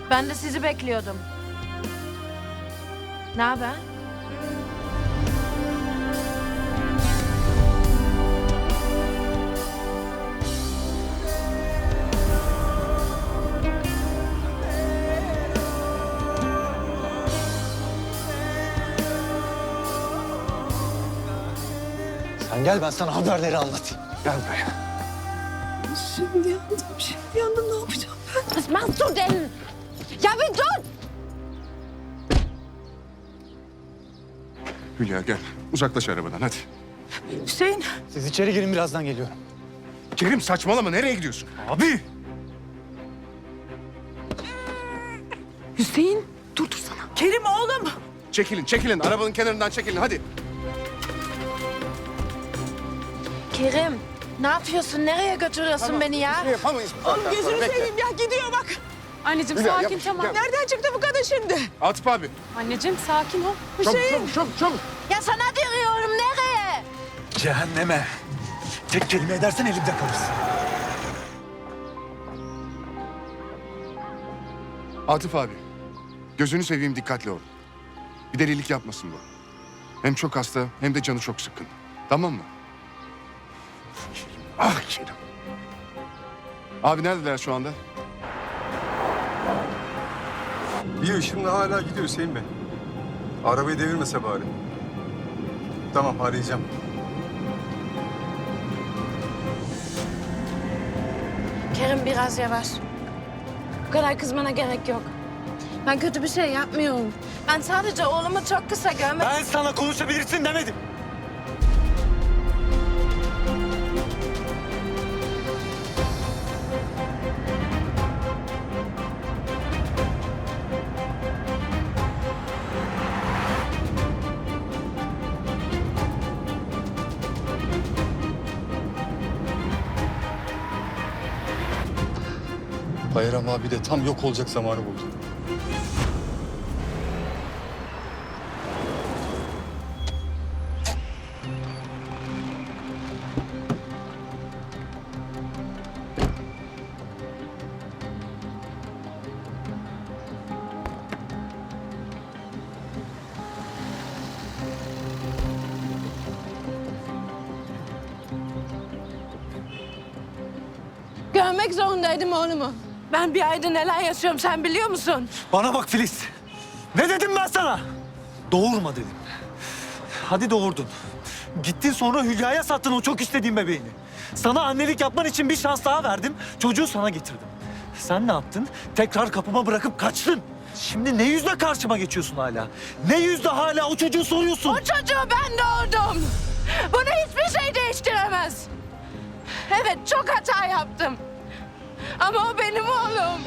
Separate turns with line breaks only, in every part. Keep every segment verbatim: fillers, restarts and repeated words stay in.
Ben de sizi bekliyordum. Ne haber?
Sen gel, ben sana haberleri anlatayım. Gel buraya.
Şimdi yandım, şimdi yandım. Ne yapacağım ben?
Was machst du denn? Ja, wie tut?
Hülya gel. Uzaklaş arabadan hadi.
Hüseyin,
Siz içeri girin, birazdan geliyorum.
Kerim saçmalama. Nereye gidiyorsun?
Abi!
Hüseyin durdursana. Kerim oğlum.
Çekilin, çekilin. Arabanın kenarından çekilin hadi.
Kerim, ne yapıyorsun? Nereye götürüyorsun beni ya?
Bir şey yapamayız. bu
Oğlum
saatten sonra.
gözünü
Bekle.
seveyim ya, gidiyor bak.
Anneciğim
Hülya,
sakin
yavaş,
tamam.
gel.
Nereden çıktı bu kadın şimdi?
Atıf abi.
Anneciğim sakin ol.
Çabuk,
Hüseyin.
çabuk, çabuk, çabuk.
Ya sana diyorum, nereye?
Cehenneme. Tek kelime edersen elimde kalırsın.
Atıf abi. Gözünü seveyim, dikkatli ol. Bir delilik yapmasın bu. Hem çok hasta hem de canı çok sıkkın. Tamam mı? Ah Kerim. Abi neredeler şu anda?
Bir ışımla hala gidiyor Hüseyin Bey. Arabayı devirmese bari. Tamam, arayacağım.
Kerim biraz yavaş. Bu kadar kızmana gerek yok. Ben kötü bir şey yapmıyorum. Ben sadece oğlumu çok kısa görmek...
Ben sana konuşabilirsin demedim.
Bayram abi de tam yok olacak zamanı buldu.
Görmek zorundaydım oğlumu. Ben bir ayda neler yaşıyorum sen biliyor musun?
Bana bak Filiz. Ne dedim ben sana? Doğurma dedim. Hadi doğurdun. Gittin sonra Hülya'ya sattın o çok istediğin bebeğini. Sana annelik yapman için bir şans daha verdim. Çocuğu sana getirdim. Sen ne yaptın? Tekrar kapıma bırakıp kaçtın. Şimdi ne yüzle karşıma geçiyorsun hala? Ne yüzle hala o çocuğu soruyorsun?
O çocuğu ben doğurdum. Bunu hiçbir şey değiştiremez. Evet çok hata yaptım. Ama o benim oğlum.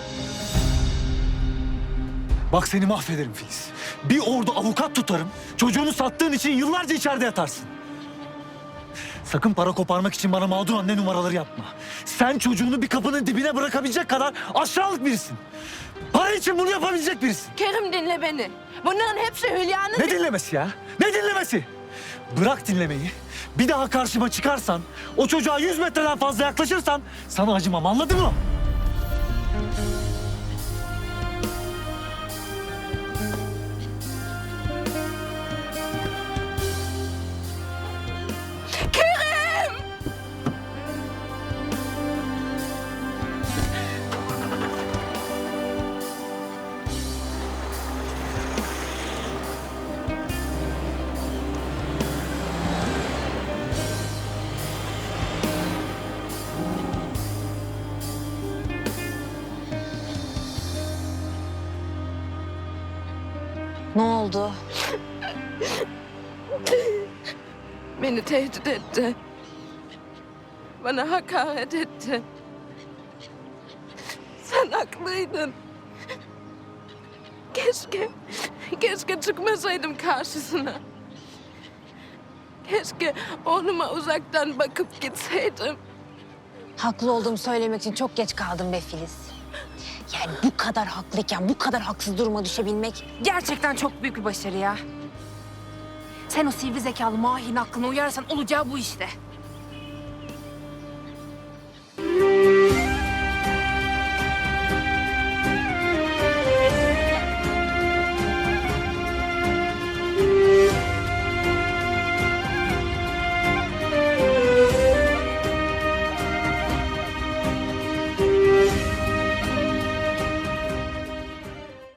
Bak seni mahvederim Filiz. Bir ordu avukat tutarım. Çocuğunu sattığın için yıllarca içeride yatarsın. Sakın para koparmak için bana mağdur anne numaraları yapma. Sen çocuğunu bir kapının dibine bırakabilecek kadar aşağılık birisin. Para için bunu yapabilecek birisin.
Kerim dinle beni. Bunların hepsi Hülya'nın...
Ne dinlemesi ya? Ne dinlemesi? Bırak dinlemeyi. Bir daha karşıma çıkarsan, o çocuğa yüz metreden fazla yaklaşırsan sana acımam, anladın mı?
Kerim!
Ne oldu?
Beni tehdit etti. Bana hakaret etti. Sen haklıydın. Keşke, keşke çıkmasaydım karşısına. Keşke oğluma uzaktan bakıp gitseydim.
Haklı olduğumu söylemek için çok geç kaldım be Filiz. Yani bu kadar haklıyken bu kadar haksız duruma düşebilmek gerçekten çok büyük bir başarı ya. Sen o sivri zekalı Mahir'in aklına uyarsan olacağı bu işte.